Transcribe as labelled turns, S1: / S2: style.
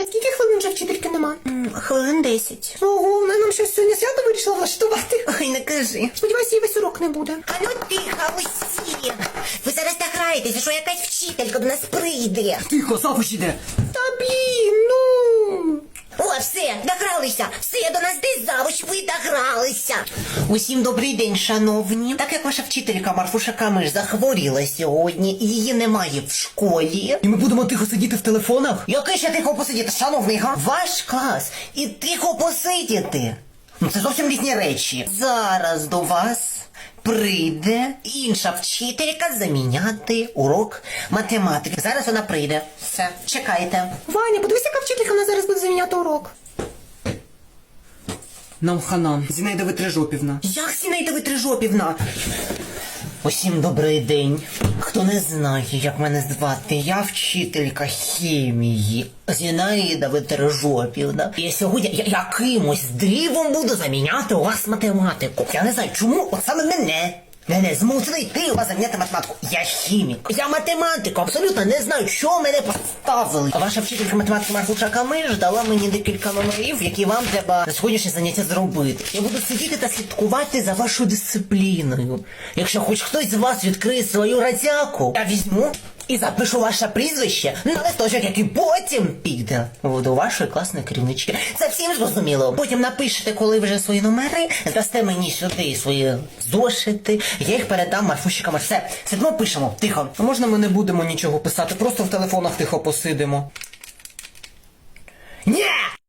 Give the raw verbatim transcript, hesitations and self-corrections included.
S1: А скільки хвилин вже вчительки нема?
S2: М, Хвилин десять.
S1: Ого, вона нам щось сьогодні свято вирішила влаштувати.
S2: Ой, не кажи.
S1: Сподіваюся, їй весь урок не буде.
S2: А ну тихо, усі. Ви зараз так граєтеся, що якась вчителька до нас прийде.
S3: Тихо, завуч іде.
S1: Та блін, ну...
S2: О, все, догралися. Все, до нас десь завуч, ви догралися. Усім добрий день, шановні. Так як ваша вчителька Марфуша Камиш захворіла сьогодні, і її немає в школі.
S3: І ми будемо тихо сидіти в телефонах?
S2: Який ще тихо посидіти, шановний, га? Ваш клас і тихо посидіти. Ну це зовсім різні речі. Зараз до вас прийде інша вчителька заміняти урок математики. Зараз вона прийде. Все, чекайте.
S1: Ваня, подивись, яка вчителька в нас зараз буде заміняти урок.
S3: Нам хана. Зінаїда Витрижопівна.
S2: Як Зінаїда Витрижопівна? Усім добрий день. Хто не знає, як мене звати, я вчителька хімії Зінаїда Витрижопівна. І сьогодні я якимось дивом буду заміняти у вас математику. Я не знаю, чому от саме мене. Мене змусили йти у вас заміняти математику. Я хімік. Я математику. Абсолютно не знаю, що мене поставили. А ваша вчителька математики Марфуша Камиш дала мені декілька номерів, які вам треба на сьогоднішнє заняття зробити. Я буду сидіти та слідкувати за вашою дисципліною. Якщо хоч хтось з вас відкриє свою радяку, я візьму і запишу ваше прізвище на листочок, який потім піде до вашої класної керівнички. Це всім зрозуміло. Потім напишете, коли вже свої номери, здасте мені сюди свої зошити, я їх передам Марфуші Камиш. Все, сидимо, пишемо, тихо.
S3: А можна ми не будемо нічого писати, просто в телефонах тихо посидимо?
S2: Ні!